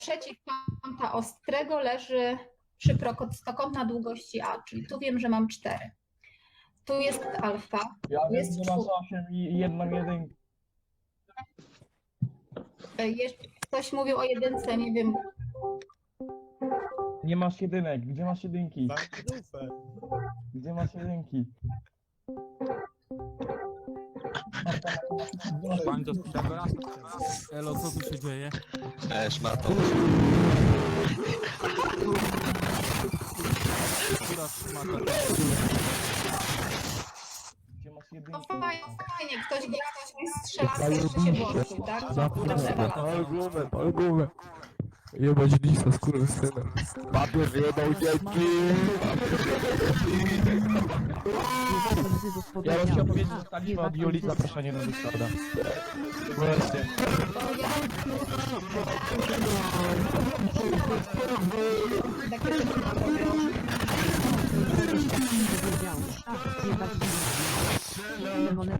przeciwkąta ostrego leży przy prostokątna długości A, czyli tu wiem, że mam 4. Tu jest alfa, Ja tu wiem, jest że masz 4. 8 i jedną jedynkę. Ktoś mówił o jedynce, nie wiem. Nie masz jedynek. Gdzie masz jedynki? Dufę. Gdzie masz jedynki? Pani to pierwszy raz? Elo, co tu się dzieje? Szmato. Która szmata? Gdzie masz No jedynki? fajnie, ktoś mi strzela, jeszcze się włączył, tak? Pal głowę. Jebać lisa, skurwysyna. Papier wyjebał dzieci. Ja bym chciał powiedzieć, że dostaliśmy od Julii zaproszenie do Discorda. Właśnie. Takie